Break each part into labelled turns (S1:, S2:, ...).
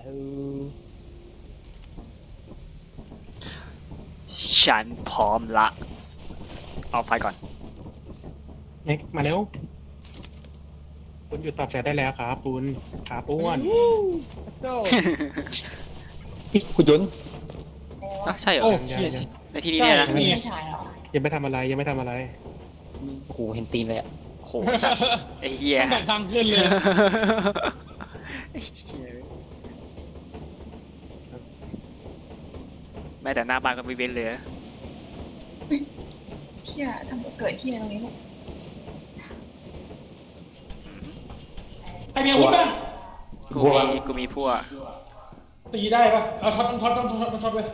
S1: ฉันพร้อมละเอาไฟก่อน
S2: เน็กมาเร็วคุณหยุดตอบแชทได้แล้วครับคุณขาป้วน
S3: คุณยนต์
S1: อ่ะใช่เหรอ
S2: โอ้
S1: ในที่นี้เนี่ยนะ
S2: นี่
S4: ไม่ใช่หรอ
S2: ยังไม่ทำอะไรยังไม่ทำอะไร
S3: โอ้โหเห็นตีนเลยอ่ะ
S1: โหสัตว์ไอ้เหี้ย
S5: ตั้งแต่ทางขึ้นเลย
S1: แม้แต่หน้าบ้านก็ไม่เว้นเลย
S4: เที่ยทำเกิดเที่ยตรงนี้ลูก
S5: ใครมีอาวุธบ้าง
S1: กูมีพวก
S5: ตีได้ปะเอาช็อตต้องช็อตไว้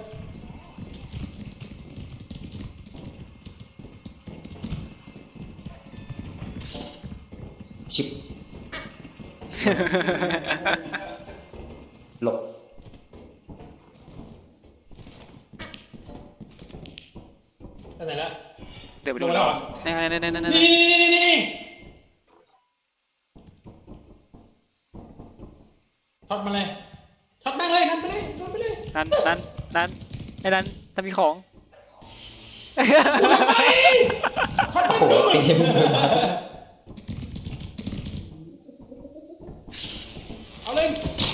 S3: ชิบหลบ
S5: ไปไหนละ
S1: เดี๋ยวไปดู
S5: ลงแล้วเหรอ
S1: นี่
S5: นี่ช็อตมาเลยช็อตแม่งเลยนั่นไปเลยโดนไปเลย
S1: นั่นไอ้นั่นถ้ามีของ
S5: ช็อต
S3: โอ้โหเต็มเลย
S5: เอาเลย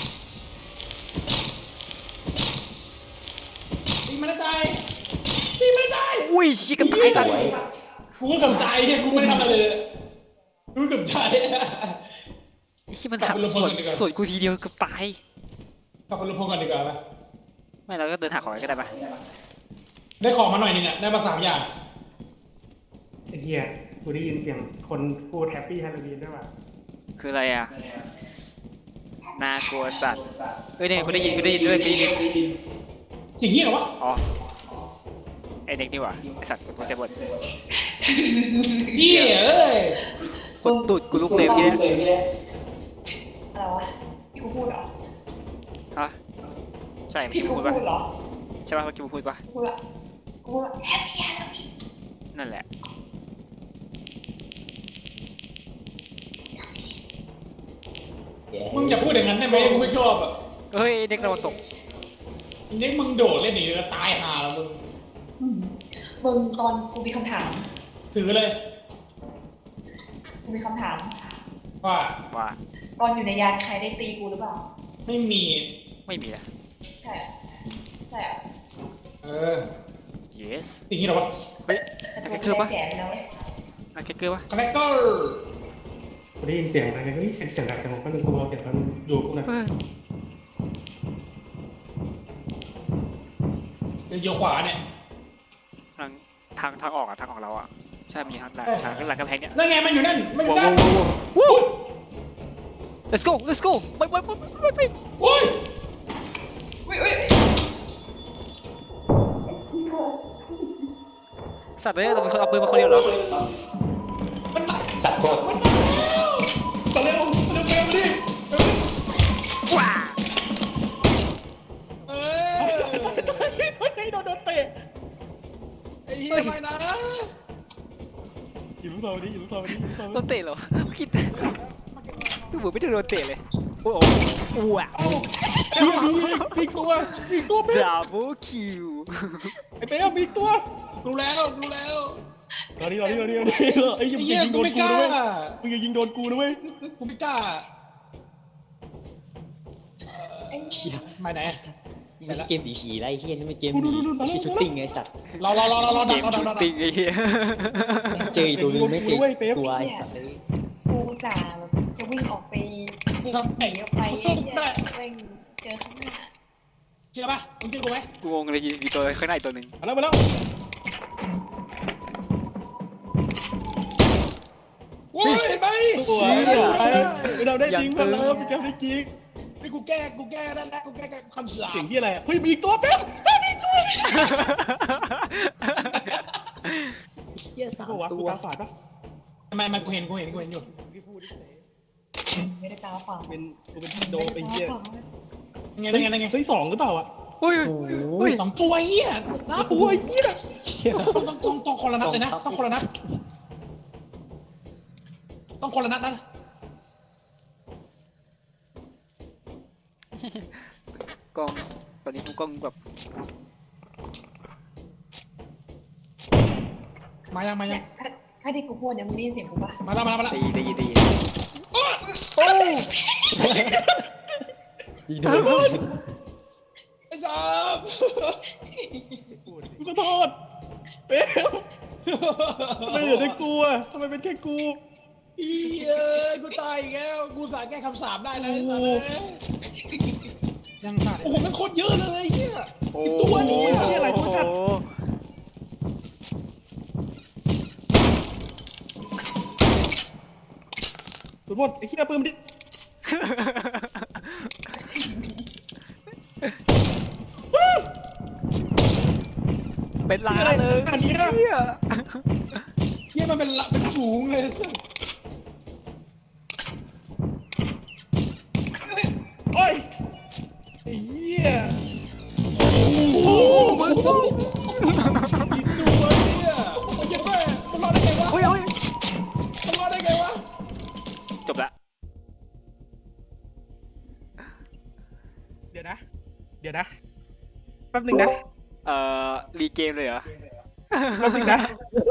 S5: ตีมันตายตีมันตาย
S1: อุ้ยชิคกับตายสัตว์
S5: กูก็เกับใจกูไม่ได้ทำอะไรเลยกูเกับใจ
S1: ไอ้ชิมันถามส่วนกูทีเดียวกับตาย
S5: กลับไปลงพงก่อนดีกว่าปะ
S1: ไม่เราก็เดินหาของกันก็ได้ปะ
S5: ได้ของมาหน่อยนึงอ่ะได้มา3 อย่าง
S2: ไอ้เหี้ยกูได้ยินเสียงคนพูดแฮปปี้ฮาโลวีนด้วยว่ะ
S1: คืออะไรอ่ะน่ากลัวสัตว์เอ้ยเนี่ยกูได้ยินด้วยกูได้ยิน
S5: อย่างนี้เหรอวะ
S1: อ๋อไอเด็กนี่หว่าไอสัตว์กูตัวใจบด
S5: เหี้ยเอ้ย
S1: กดตูดกูลุกเลยเมื่อกี้เนี่ย
S4: อะไรวะที่กูพูดเหรอ
S1: ฮะใช่เมื่อ
S4: ที่
S1: กี้
S4: กู
S1: พูด
S4: พู
S1: ปะ
S4: ดเหรอ
S1: ใช่ปะเมื่อกี้พูดปะ
S4: กูพูดละกูพูดละแฮปปี้ฮาโลวีน
S1: นั่นแหละ
S5: มึงอย่าพูดอย่างนั้นได้ไหมกูไม่ชอบอ่ะ
S1: เฮ้ยเด็กตะวันตก
S5: ทีนี้มึงโดดเล่นหนีแล้วตายห่าแล้วมึง
S4: มึงตอนกูมีคำถาม
S5: ถือเลย
S4: กูมีคำถาม
S5: ว่า
S1: ว่า
S4: ตอนอยู่ในยานใครได้ตีกูหรือเปล่า
S5: ไม่มี
S1: ไม่มีอะ
S4: ใช่อะใช่อะ
S5: เออ
S1: yes
S5: อย่างนี้เหรอวะ
S1: เฮ้ย
S4: แต่
S1: นัก
S4: ตัว
S1: แคคเกอร์ปะ
S4: กูได้แจกไปแล้วเว้ย
S1: นักแคคเกอร์ปะ
S5: คาแรคเตอร์
S2: กูได้ยินเสียงอะไรเฮ้ยเสียงดังจังก็เลยกูเอาเสียงมันดูกูหน่อย
S1: เฮ้ย
S5: เดี๋ยวขวาเนี่ย
S1: ทางออกอะทางออกเราอะใช่มีทางหลังหลังกำแพงเนี่ย
S5: นั่นไงมันอยู่นั่นมันอยู่
S1: ว้าว
S5: นั่น
S1: ว้าว let's go ไป
S5: โอ้ย
S4: อุ้ยอุ้ย
S1: สัตว์เลยเราเป็นคนเอาปืนมาคนเดียวเหรอ
S5: มันมา
S3: สัตว์โทษ
S5: มาเร็วมาดิ
S1: ว้า
S5: เออโดนเตะไอ้เหี้ยไปนะ
S2: อยู่ลูกเราดิอยู่ลูกเราดิอยู่ลูกเรา
S1: โดนเตะเหรอคิดดูเหมือนไม่ได้โดนเตะเลยโอ้โหว้าว
S5: มีตัวเป๊ะ
S1: ดับเบิลคิว
S5: ไอ้เป๊ะมีตัวดูแล้ว
S2: ตอนนี้ไอ้ยิง
S5: ไอ้เหี้ย
S2: ยิงโด
S5: กู
S2: น
S5: ไม่
S2: กู
S5: กล้า
S2: ด้วยมึงอย่ายิงโดนกูด้วย
S5: กูไม่กล้า
S3: เชี่ย
S5: มาไหน
S3: ไม่ใช่เกมผีไรเฮียนี่มันเกมผีไม่ใช่ชูตติ้งไงสัตว์
S5: เรา
S1: เก
S5: ดั
S1: มชูตติ้งไอ้เหี้ย
S3: เจออีกตัวนึงไม่เจอตัวไอ้สัตว์เลย
S4: กูจ่าแบบจะวิ่งออกไปหนีออกไปไอ้เหี้ยแม่งเจอข้างหน้า
S5: เชื่อปะมึงเชื่อกูไหม
S1: กูงงเลยมีตัวข้างในตัวหนึ่ง
S2: มาแล้ว
S5: โว้ยไป
S2: สวยเราได้จริงมาแล้วพี่แกได้จริง
S5: นี่กูแก้นั่นแหละกูแก้คำสาป
S2: เสียงที่อะไรเฮ้ยมีอีกตัวเป๊ะมีอีกตัว
S3: เชี่ยสาม
S2: กู
S3: ตัว
S2: ตาฝาดปะ
S5: ทำไมกูเห็นอยู่
S2: พี่พูดดิ
S4: ไม่ได้ตาฝัง
S2: เป็นกูเป็นโดไอ้เหี้ย
S5: ยังไง
S2: เฮ้ย2หรือเปล่าอ่ะ
S1: อุ้ย
S3: โอ้โห
S1: อุ้ย
S5: 2 ตัวเหี้ยน่า
S2: ตัวไอ้เหี้ย
S3: เชี่ย
S5: ต้องคนละนัดเลยนะต้องคนละนัดนะ
S1: กล้องตอนนี้กูกล้องแบบ
S5: มายัง
S4: เนี่ยถ้าที่กูพูดเนี่ยมึงได้ยินเสียงกูปะ
S5: มาแล้ว
S1: ได้ยิน
S5: โอ้
S3: ยิงโดน
S5: ไอ้สามกูขอโทษเป๊ะทำไมเหลือแต่กูอ่ะทำไมเป็นแค่กูกูตายอีกแล้วกูสายแก้คำสาปได้เลยสัตว์เลย
S2: ยังขาด
S5: โอ้โหมันโคตรเยอะเลยเฮีย
S1: โอ้
S5: ตัวนี้อะอะไรตัวจัด สุดหมดไอ้เฮียปืนดิ
S1: เป็นล้านเลย
S5: อันนี้
S1: เหี้ย
S5: เฮียมันเป็นฝูงเลยโอ้ยไอ้เฮียโอ้โหมึงกี่ตัวเนี่ยเจ็บแม่มันรอดได้ไงวะ
S1: โอ้ย
S5: มันรอดได้ไงวะ
S1: จบละ
S5: เดี๋ยวนะแป๊บนึงนะ
S1: รีเกมเลยเหรอ
S5: แป๊บนึงนะ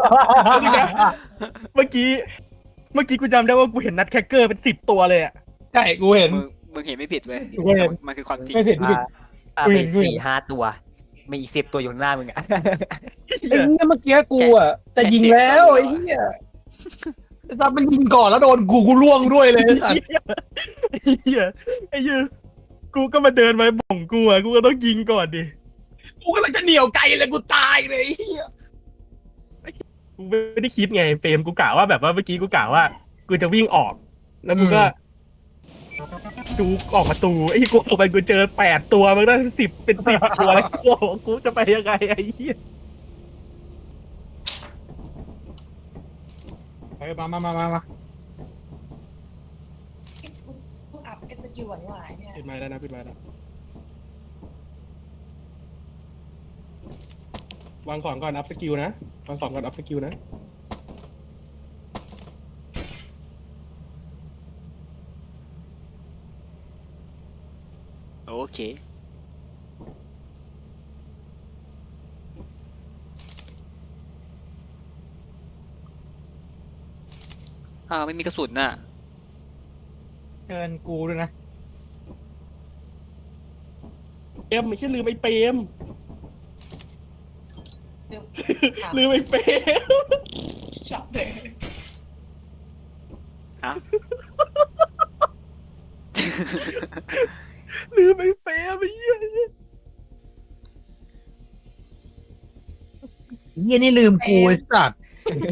S5: เมื่อกี้กูจำได้ว่ากูเห็นนัดแคคเกอร์เป็น10 ตัวเลยอ่ะ
S2: ใช่กูเห็น
S1: มึงเห็นไม่ผิดเว้ย
S2: กูเห็น
S1: มันคือความจริง
S2: ไม่ผิด
S3: เป็น4-5 ตัวมีอีก10 ตัวอยู่ข้างหน้ามึงอ่ะ
S2: ไอ้เหี้ยเมื่อกี้กูอ่ะจะยิงแล้วไอ้เหี้ยแต่มันยิงก่อนแล้วโดนกูล่วงด้วยเลยสัตว์
S5: ไอ้เหี้ยกูก็มาเดินมาบ่งกูอ่ะกูก็ต้องยิงก่อนดิ
S2: กูกำลังจะเหนียวไกลเลยกูตายเลยไอ้เหี้ย
S5: กูไม่ได้คิดไงเปรมกูกะว่าแบบว่าเมื่อกี้กูกะว่ากูจะวิ่งออก แล้วกูก็จูออกประตูไอ้กูออกไปกูเจอ8 ตัวมันก็เป็น10 ตัวแล้วกูจะไปยังไงไอ้เหี้ย
S2: ไปมา
S4: กูอัพเอสกิลหวานๆเนี่ย
S2: ปิดไม้แล้วนะปิดไม้แล้ววางของก่อนอัพสกิลนะวางของก่อนอัพสกิลนะ
S1: โอเคไม่มีกระสุนน่ะ
S2: เชิญกูด้วยนะ
S5: เปรมไม่ใช่ลืมไอ้เปรม
S4: ลื
S5: ลื
S4: ม
S5: มไอ้เปรม
S4: จับเลย
S1: อ่ะ
S5: ลืมไอ้เปรมไอ้เหี้ย
S2: เหี้ยนี่ลืมกูไอ้สัตว์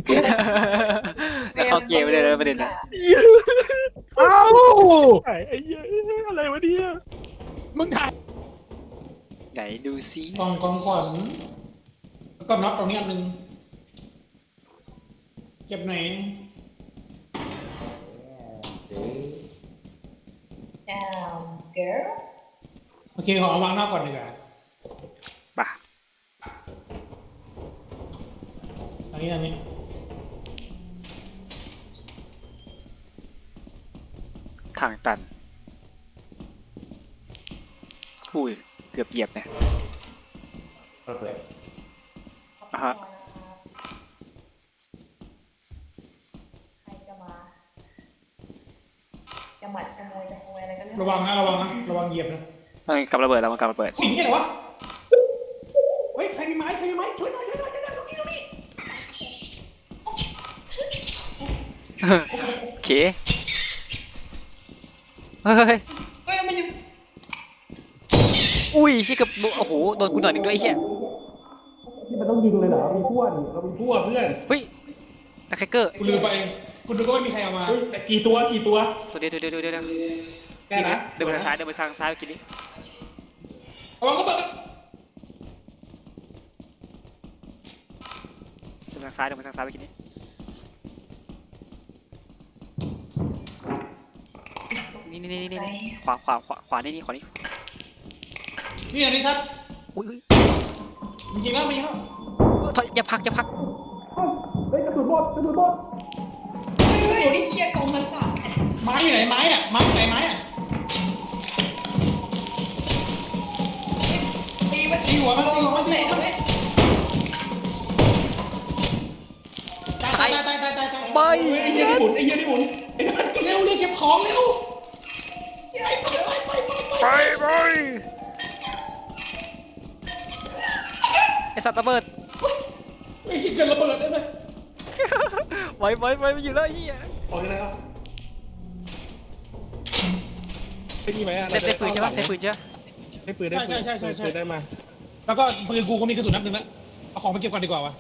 S1: แล้วเข้าเกมไปเลยนะประเด็นนะ
S2: เอ้า
S5: ไอ้เหี้ยอะไรวะเนี่ย
S2: มึงถ่าย
S1: ไหนดูซิ
S2: กล่องขวัญแล้วก็น็อตตรงนี้อันนึงเก็บไหน
S4: เกิร์ล
S2: โอเคขอเอาวางนอกก่อนดีกว่า
S1: ป่ะ
S2: อันนี้
S1: ทางตันอุ้ยเกือบเหยียบเนี่ยอ่ะฮะ
S4: ใครจะมาจะหมัดขโมยอะไรก็เรื่อง
S2: ระวังนะระวังเหยียบนะ
S1: กำระเบิดแล้วมันกำระเบิด
S2: สิ่งนี้เหรอวะเฮ้ยใครมีไม้ช่วยหน่อยตรงนี้
S1: โอเคเฮ้ย
S4: เฮ้ยมันอยู่
S1: อุ้ยชิกับโอ้โหโดนกูหน่อยหนึ่งด้วยไอ้เชี่ย
S2: นี่มันต้องยิงเลยเหรอมีพวกนี่เรามีพวกเพื่อน
S1: เฮ้ยตะแคคเกอร์
S2: กูลืมไปคุณดูก็ไม่มีใครเอามา
S5: กี่ตัว
S1: ตัวเดียว
S2: แค่นะ
S1: เดินไปทางซ้ายเมื่อกี้นี้
S2: ระวังก็เปิด
S1: เดินไปทางซ้ายเมื่อกี้นี้นี่ขวานี่
S2: นี่อันนี้ครับ
S1: อุ้ย
S2: ยิงแล้วมีแล้ว
S1: อย่าพัก
S5: เฮ้ยกระสุนหมด
S4: เฮ้ยไอ้เคียกองมันจับ
S2: ไม้อยู่ไหนไม้อะไม้อยู่ไหนไม้อะตีหัวมันตีหัวมันตีหัวมันตาย
S1: ไป
S5: ไอ้เหี้ยนี่หมุนไอ้เหี้ยนี่หมุน
S2: เร็วเรียกเก็บของเร็ว
S1: ไปไอสัตว์ระเบิด
S2: ไอ้ที่เกิดระเบิดได้ไหม
S1: ไว้ไม่อยู่แล้วไอ้เหี้ย
S5: ออกยังไงครับได้ดีไหมอ่ะ
S1: ได้ปืนใช่ปะได้ปืนใช่ปะ
S5: ได้ปืนได้ปืน
S2: ใช่
S5: ปืนได้มา
S2: แล้วก็ปืนกูก็มีกระสุนนัดหนึ่งแล้วเอาของไปเก็บก่อนดีกว่าวะ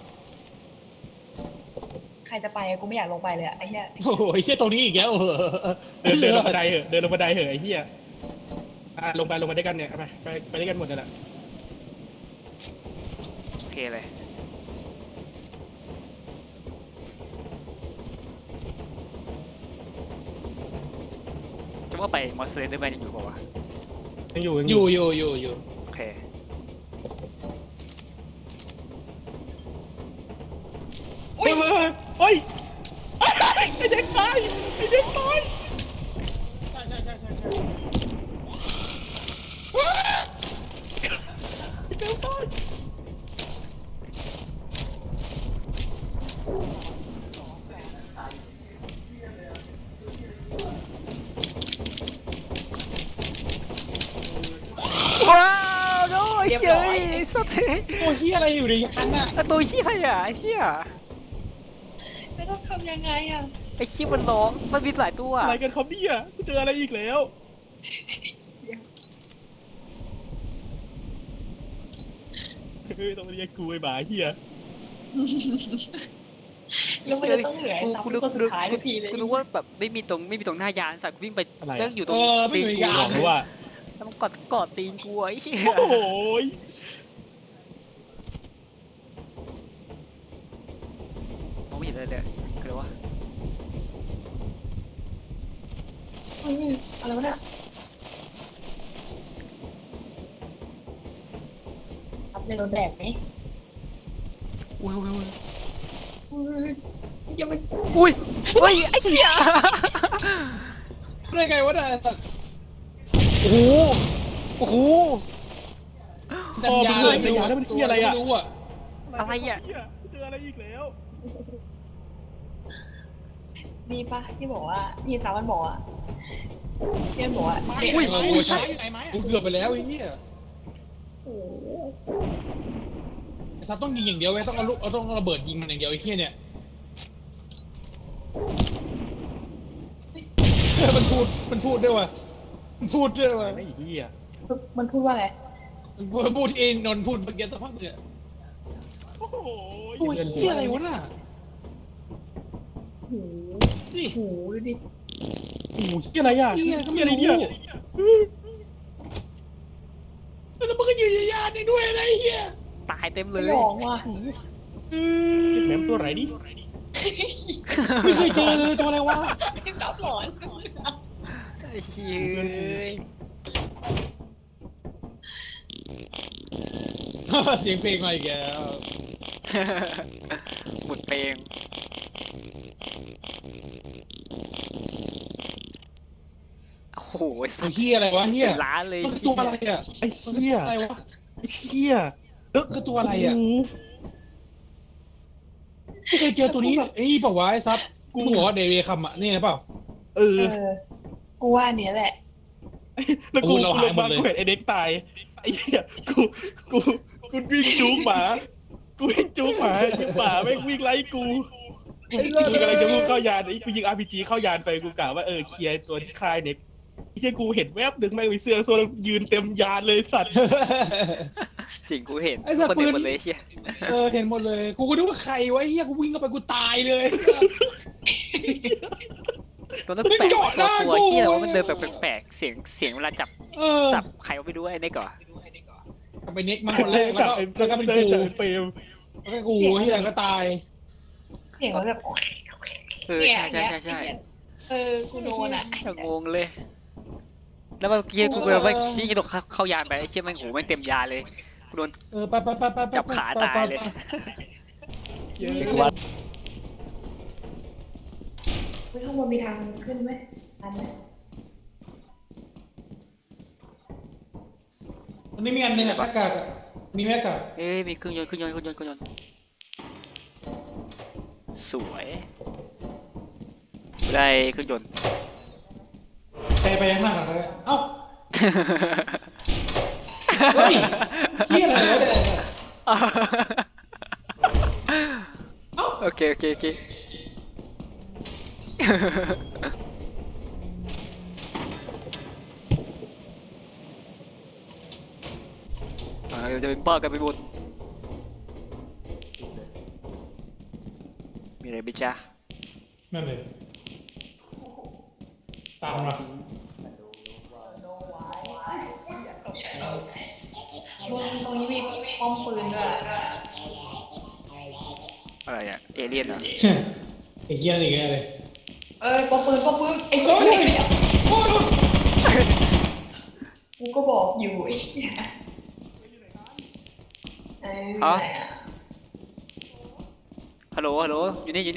S4: ใครจะไปอะกูไม่อยากลงไปเลยอะไอ้เหี้ย
S2: โอ้โหไอ้เหี้ยตรงนี้อีกแล้ว
S5: เดินลงบันไดเหอะเดินลงบันไดเหอะไอ้เหี้ยลงไปด้วยกันเนี่ยไปด้วยกันหมดเลยแหละ
S1: โอเคเลยจะว่าไปมอสเซอร์ได้ไหมยังอยู่ป่าวะ
S5: ยังอยู่
S2: อยู่
S1: โอเค
S5: เฮ้ยไอ้เด็กตายไอ้เด็กตาย
S2: ใช่
S5: ไอ้เด็กตาย
S1: ว้าวโน้ยเฮ้ยสัตว์
S2: ตัวเหี้ยอะไรอยู่ในยานน่ะ
S1: ไอตัวเหี้ยอะไรอ่ะไอ้เหี้ย
S4: ไม่ต้องทำยังไงอะ
S1: ไอ้เหี้ยมันร้องมันมีหลายตัว
S5: อะไรกันครับเนี่ยกูเจออะไรอีกแล้วต้องเรียกกูไอ้หมาเหี้ย
S4: แล้วมันจะต้องเหลือไอ้ซับเป็นคนสุดท้ายทุกทีเลย
S1: กูนึกว่าแบบไม่มีตรงหน้ายานสัตว์กูวิ่งไปเรื่องอยู่ตรง
S2: ไม่
S1: ตีน
S2: อยู่ใน
S1: กู
S2: ยา
S5: บอน กเลยว่า
S1: แล้วมันกอดตีนกูไอ้เหี้ย
S5: โอ้โห
S1: มองไม่เห็นอะไรเลยคือว่า
S4: อุ้ยอะไรวะเนี่ยซับเลยโดนแดกไหม
S1: อุ้ย
S4: อุ้ยอย่าไป
S1: อุ้ยอุ้ยไอ้เหี้ย
S2: ได้ไงวะเนี่ย
S1: โอ้โห
S5: พ่อมึงเลยในยานนั่นมันเหี้ยอะไรอ่ะ
S2: ไม่รู้อ่ะ
S1: อะไรอ่ะ
S5: เจออะไรอีกแล้ว
S4: มีปะที่บอกว่าที่ซับมันบอกอะที่มันบอกว่า
S2: ไม่
S4: เด็ก
S2: กูใช่กูเกือบไปแล้วไอ้เหี้ย
S4: โอ้โห
S2: ถ้าต้องยิงอย่างเดียวเว้ยต้องเอาลูกต้องระเบิดยิงมันอย่างเดียวไอ้เหี้ยเนี่ยมันพูดด้วยว่ะมันพูดด้วยว่ะ
S5: ไอ้เหี้ย
S4: มันพูดว่าอะไร
S2: มันพูดเองนนท์พูดเมื่อกี้สักพักเนี่ย
S5: โอ้โห
S2: ตัวเหี้ยอะไรวะน่ะ
S4: โอ้โห
S2: นี่
S4: โอ้โหดูดิ
S5: โอ้โหเหี้ยอะไรอ่ะ
S2: เหี้ยก็
S5: เหี้
S2: ไม่
S5: ยอะไร
S2: รู้
S5: เนี่ย
S2: แล้วมันก็อยู่ในยานนี่ด้วยอะไรเหี้ย
S1: ตายเต็มเล
S4: ไม่
S1: ย
S4: หลอกว่ะ
S5: แหมมตัวไหนดิ
S2: ไม่เคยเจอเลยตัวอะไรวะ
S4: ไม่ซับหลอน
S1: ไอ้เหี้ย
S2: เสียงเพลงมาอีกแล้ว
S1: หมุนเพลงโอ้โห
S2: ไอ้เหี้ยอะไรวะเหี้ย
S1: เป็นล้านเลย
S2: มันคือตัวอะไรอ่ะ
S5: ไอ้เหี้ย
S2: อะไรวะ
S5: ไอ้เหี้ย
S2: คือตัวอะไรอ่ะ
S5: โโห
S2: ไม่เคยเจอตัวนี้ไอ้นี่เปล่าวะไอ้ซับกูบอกว่าเดวิดคัมอ่ะนี่นะเปล่า
S5: เออ
S4: กูว่าอันเนี้ยแหละ
S5: แล้วกู
S2: เรา
S5: ล
S2: หาย
S5: ง
S2: หม
S5: มา
S2: ดเลย
S5: กูเห็นไอ้เด็กตายไอ้เหี้ยกูวิ่งจูงหมากูวิ่งจูงหมาหมาไม่งวิ่งไล่กูกำลังจะพุ่งเข้ายานไอ้กูยิง RPG เข้ายานไปกูกะว่าเคลียร์ตัวที่ค่ายเน็กไอ้เหี้ยกูเห็นแวบหนึ่งแม่งมีเสื้อโซนยืนเต็มยานเลยสัตว์
S1: จริงกูเห็น
S2: ไอ้สัตว์
S1: คนเห็น
S2: ปืน
S1: หมดเลยเชี่ย
S2: เห็นหมดเลย กูก็นึกว่าใครวะไอ้เหี้ยกูวิ่งเข้าไปกูตายเลย
S1: ตัวนั้น
S2: ไม่
S1: แปลก
S2: เจาะหน้า
S1: ตัว
S2: กู
S1: เชี่ยแต่ว่ามันเดินแบบแปลกๆเสียงเวลาจับ
S2: เออ
S1: ใครก็ไม่รู้ไอ้นี่ก่อน
S2: กลับไปเน็กมาคนแรกแล้วก็เป็นกู
S5: จากเปรม
S2: แล้วก็กูที่หลังก็ตาย
S4: เสียงมันแบบ
S1: เออใช่
S4: กูโดนอ่ะ
S1: จะงงเลย แล้วเมื่อกี้กูแบบว่าที่กระโดดเข้ายานไปไอ้เชี่ยแม่งหูแม่งเต็มยานเลยกูโดน
S2: ไป
S1: จับขาตายเลย
S2: เยอะ
S4: ข้างบนมีทางขึ้นไหมอันนี้
S2: มันนี่มีอันหนึงอะหน้ากากอะมีแม็กกับ
S1: เอ้ยมีเครื่องยนต์สวยได้เครื่องยนต์
S2: ไปข้างหน้าก่อนเลยเอ้าเฮ้ยเฮียอะไรวะเนี่ยเอ้า
S1: โอเคเดี๋ยวจะเป็นบ้ากันไปหมดมีอะไรไหมจ๊ะ
S2: นั่นเลยตามมา
S4: มึงตรงนี้มีป้อมปืนด้วย
S1: อะไรอ่ะเอเลี่ยนเหรอ
S2: ไอ้เฮียนี่ไงเลย
S4: ป้อมปืนไอ้เหี้ยกูก็บอกอยู่ไอ้เหี้ย
S1: ฮัลโหลอยู่นี่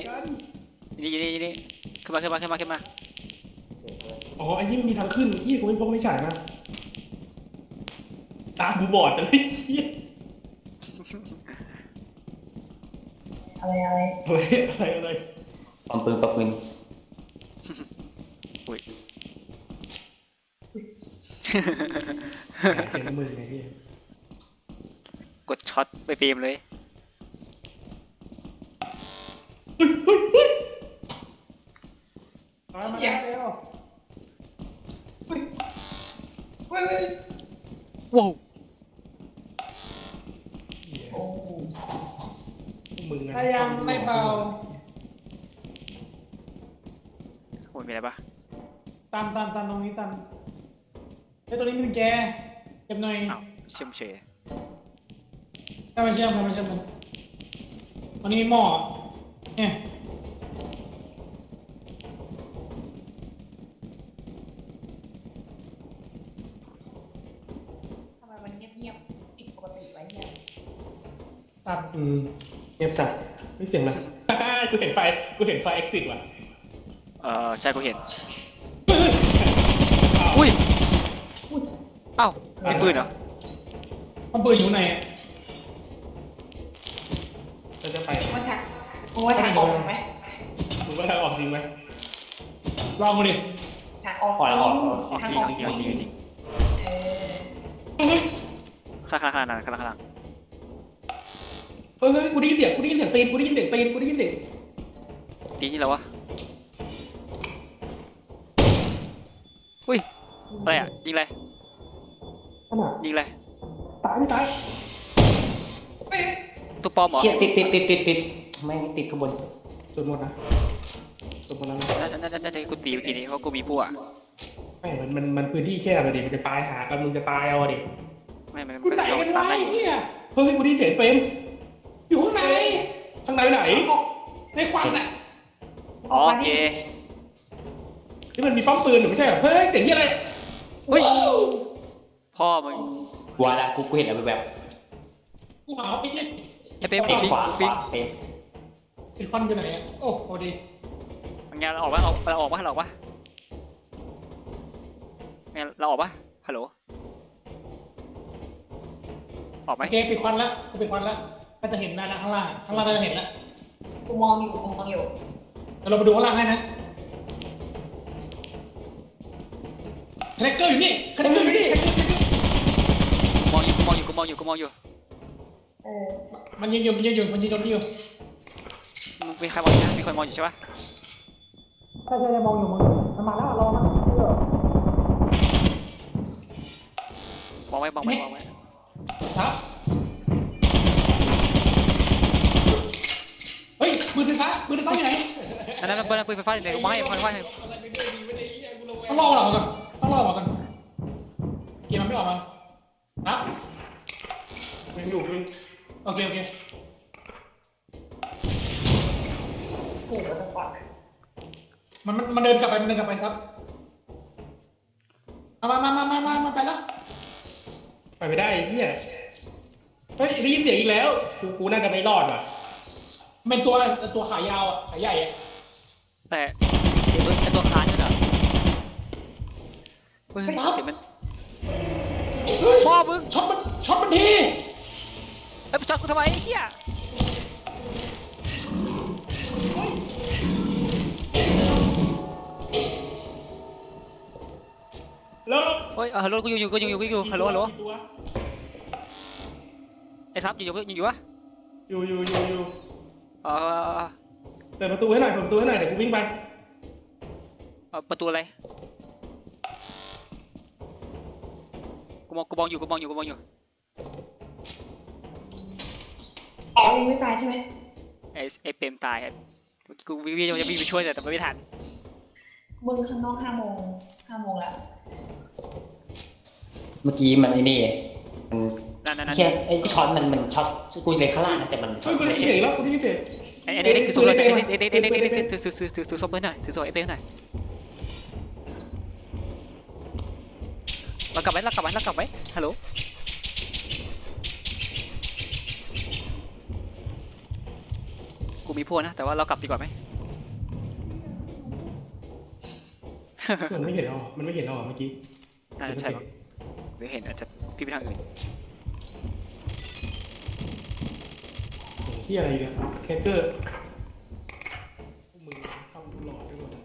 S1: ขึ้นมา
S5: อ๋อไอ้ยี่มันมีทางขึ้นที่กูไม่พกไม่ฉายมาตากูบอดเลยเฮีย
S4: อะไร
S5: อะไร
S3: ปอมปืน
S1: อุ้ย
S5: เห็นมือไงพี่
S1: กดช็อตไปฟิล์มเลย
S2: มาแล้ว
S4: เฮ้ย
S1: ว้าว
S4: โอ้
S5: มึง
S2: พยายามไม่เบา
S1: โอ้ยมีอะไรปะ
S2: ตามตรงนี้ตามไอ้ตัวนี้มันแกเก็บหน่อย
S1: อ้าวเชื่อมเฉย
S2: ถ้ามันเชื่อมมันวันนี้มีหม้อเนี่ย
S4: ทำไมมันเงียบผิดปกติไว้เนี่ย
S2: ตัด
S5: เงียบจัดไม่เสียงอะไรกูเห็นไฟเอ็กซิสว่ะ
S1: ใช่กูเห็นอุ้ยอ้าวมีปืนเหรอ
S2: มันปืนอยู่ไหน
S5: เราจะไป
S4: ว่าฉากออกไหม
S5: มึงว่าทางออกจริงไหม
S2: ลองมาดิ
S4: ฉากออกจริง
S1: เอาจริงข้าง
S5: เฮ้ยกูได้ยินเสียงตีนตี
S1: นี่แล้ววะอุ้ยอะไรอ่ะยิงอะไร
S5: ขนาด
S1: ยิงอะไร
S5: ตายไม่ตาย
S1: ตัวปลอมเหรอ
S3: เชี่ยติดแม่งติดข้างบน
S5: จนหมดนะ
S1: น่าจะกูตีเมื่อกี้นี้เพราะกูมีพวก
S5: ไม่มันพื้นที่แคบเลยดิมันจะตายหากันมึงจะตายเอาดิ
S1: ไม่มันก็จะโดนสตาร์ทได้อยู่
S5: เฮ้ยกูได้ยินเสียงเฟรม
S2: อยู่ข้างใน
S5: ข้างในไหน
S2: ในควันอ่ะ
S1: อ๋อโอเค
S5: ที่มันมีป้อมปืนหรือไม่ใช่เหรอเฮ้ยเสียงที่อะไร
S1: อุ้ยพ่อมึง
S3: วาละกูเห็นอะไรแบบ
S2: กูหาไอ้เนี่ย
S1: ไอ้เป๊ม
S3: เต็ม
S1: ปิ๊ง
S3: ขวา
S1: ปิ๊ง
S3: เต็ม
S2: ไอ้ควันอยู่ไหนอ่ะโอ้พอดี
S1: งานเราออกปะเราออกปะงานเราออกปะฮัลโหลออกไหม
S2: โอเคปิดควันแล้วกูปิดควันแล้วก็จะเห็นหน้าข้างล่างน่าจะเห็นแล้ว
S4: กูมองอยู่
S2: เดี๋ยวเราไปดูข้างล่างให้นะคาแรคเตอร์อยู่นี่
S1: มองอยู่
S2: มันยิงอยู่นี่อยู่
S1: มึงมีใครมองอยู่มีคนมองอยู่ใช่ปะ
S2: ใช่มองอยู่มันมาแล้วรอมัน
S1: มองไว้
S2: ครับเฮ้ยปืนไฟฟ้าอยู่ไหน
S1: นั่นปืนไฟฟ้าเลยมองให้
S2: ต้องรอเราก่อนเกมมันไม่ออกมาครับ
S5: ยังอยู่มึง
S2: โอเค
S4: โอ้โหจะปัก
S2: มันเดินกลับไปครับมาไปแล้ว
S5: ไปไม่ได้เฮียเฮ้ยได้ยินเสียงอีกแล้วกูน่าจะไม่รอดว่ะ
S2: เป็นตัวขายาวอ่ะขายใหญ่อ่ะ
S1: แต่เสียงไอตัวค้านนั่นเหรอเฮ้ยเสียงมัน
S2: เฮ้ย
S1: พ่อมึง
S2: ช็อตมันที
S1: ไปช็อตกูทำไมไอ้เชี่ย
S5: แล้ว
S1: เฮ้ยฮัลโหลกูอยู่ฮัลโหลไอ้ซับอยู่วะ
S5: อยู่
S1: เอ่อ
S5: เปิดประตูให้หน่อยเปิดประตูให้หน่อยเดี๋ยวกูวิ่งไป
S1: ประตูอะไรกูมองอยู่
S4: อ๋อยังไม่ตายใช่ไหม
S1: ไอ้เปรมตายครับกูวิ่งจะวิ่งไปช่วยแต่ไม่ทัน
S4: มึงข้างนอก5 โมงแล้ว
S3: เมื่อกี้มันไอ้นี่มัน
S1: นั่น
S3: แค่ไอ้ช็อตมันช็อตกูเลยข้างล่างนะแต่มันช็อ
S5: เฮ้
S3: ต
S5: ยกูได้ยินเสียงแล้วกูได้ยินเสียง
S1: ไอ้นี่คือโซ่เลยถือโซ่ไปหน่อยถือโซ่ไอ้เป้หน่อยเรากลับไว้ฮัลโหลกูมีพวกนะแต่ว่าเรากลับดีกว่าไหม
S5: มันไม่เห็นเราเมื่อกี้
S1: น่าจะใช่หรือเห็นอาจจะพี่ไปทางอื่น
S5: ที่อะไรกันแคคเกอร์พวกมึงเข้าดูหลอดด้วยหมด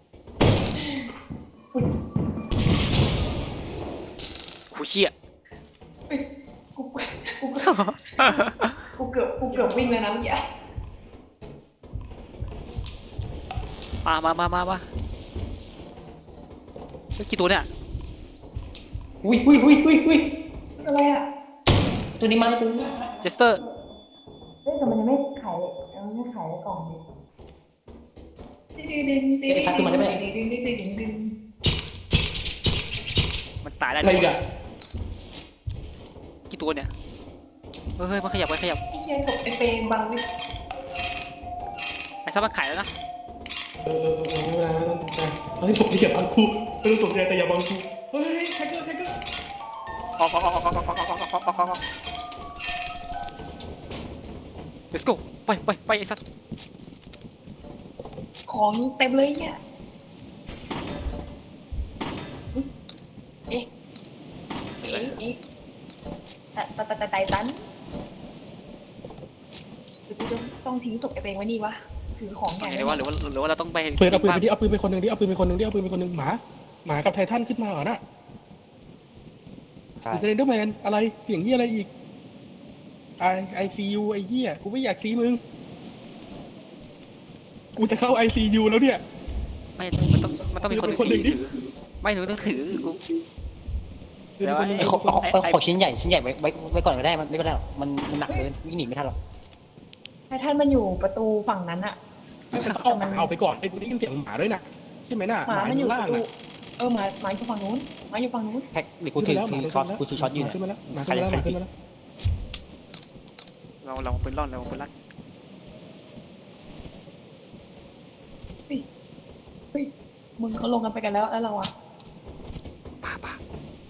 S1: กูเชี่ย
S4: กูเกือบวิ่งเลยนะเมื่อกี้
S1: มากี่ตัวเนี่ย
S3: อุ้ย
S4: อะไรอ่ะ
S3: ตัวนี้มาตัวนี้
S1: เจสเตอร์
S4: เฮ้ยแต่มันยังไม่ขายกล่องดิดึง
S1: มันตายแล้ว
S5: อะไรอีกอะ
S1: กี่ตัวเนี่ยเฮ้ยมันขยับ
S4: ไอ้เหี้ยศพไอ้เปย์บังวิ
S1: ไอ้ซับมันขายแล้วนะ
S5: ไม่ต้องตกใจเฮ้ยผมอย่าบังกูไม่ต้องตกใจแต่อย่าบังกูเฮ้ยแคคเกอร์
S1: ออก let's go ไปไอ้สัตว์
S4: ของเต็มเลยเนี่ยเอ๊ะแต่ไตตันหรือกูจะต้องทิ้งศพไอ้เปย์ไว้นี่วะถือของใหญ่
S1: หรือว่าเราต้องไป
S5: เปิดเอาปืนไปดิเอาปืนไปคนหนึ่งหมากับไททันขึ้นมาเหรอน่ะดูเซนเดอร์แมนอะไรเสียงเหี้ยอะไรอีกไอซียูไอ้เหี้ยกูไม่อยากซีมึงกูจะเข้า ICU แล้วเนี่ย
S1: ไม่มันต้องมีคนถือไม่ถือต้องถือกู
S3: ไอ้ของชิ้นใหญ่ไว้ก่อนก็ได้มันไม่เป็นไรหรอกมันหนักเลยวิ่งหนีไม่ทันหรอก
S4: ไททันมันอยู่ประตูฝั่งนั้นอะ
S5: เอาไปก่อนไอ้กูได้ยินเสียงหมาด้วยนะใช่ไหมน่ะ
S4: หมามันอยู่ป
S5: ล่าง
S4: ระตู
S5: น่ะ
S4: หมาอยู่ฝั่งนู้น
S3: แพ็คเดี๋ยวกูถือช็อตอยู่เนี่ย
S5: ขึ้นมาแล้ว
S1: เราปืนล่อน
S4: เฮ้ยมึงเขาลงกันไปกันแล้วเราอะ
S1: ป่า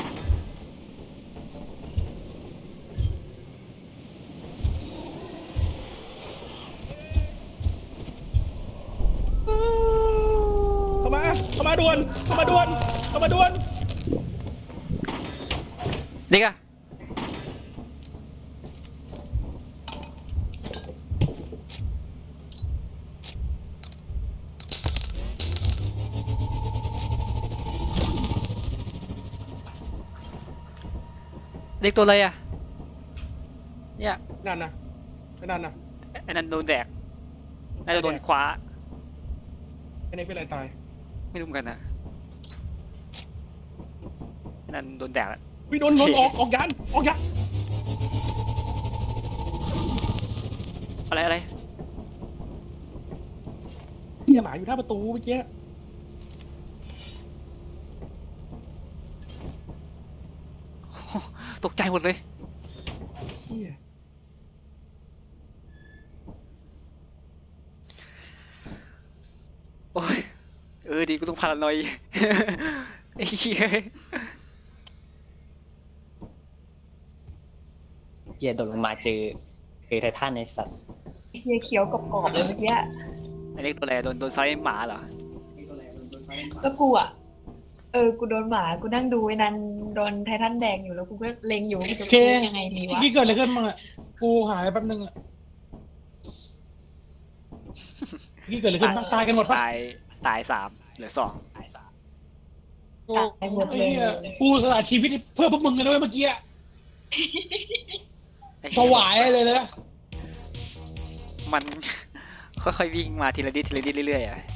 S5: เข้ามาด่วน
S1: เด็กอะเด็กตัวอะไรอะเนี่ย
S5: นั่นนะ
S1: ไอ้นั่นโดนแดกน่าจะโดนคว้า
S5: ไอ้นี่เป็นอะไรตาย
S1: ไม่รู้เหมือนกันนะไอ้นั่นโดนแดกแล้ว
S5: วิโดนออกยัน
S1: อะไร
S5: เหี้ยหมาอยู่หน้าประตูเมื่อกี้
S1: ตกใจหมดเลย
S5: เหี้ย
S1: โอ้ยดีกูต้องพารานอยไอ้เหี้ย
S3: เกียร์โดดลงมาเจอไททันในสัตว์
S4: เฮียเขียวกรอบๆเลยเมื่อกี้
S1: ไอ้เล็กตัวอะไรโดนไซส์หมาเหรอ
S4: ก็กูอะกูโดนหมากูนั่งดูไอ้นันโดนไททันแดงอยู่แล้วกูก็เล็งอยู่ว่ากูจะพูดยังไงดีวะ
S2: เมื่อกี้เกิดอะไรขึ้นบ้างอะกูหายแป๊บนึงอะนี่เกิดอะไรขึ้นบ้างตายกันหมดปะ
S1: ตาย3เหลือ2
S2: กูไอ้เหี้ยกูสละชีวิตเพื่อพวกมึงกันด้วยเมื่อกี้อะ
S1: ไอ้
S2: ถ
S1: เหี้ยว
S2: ายเลยนะ
S1: มัน ค่อยๆวิ่งมาทีละนิดเรื่อยๆอ่ะ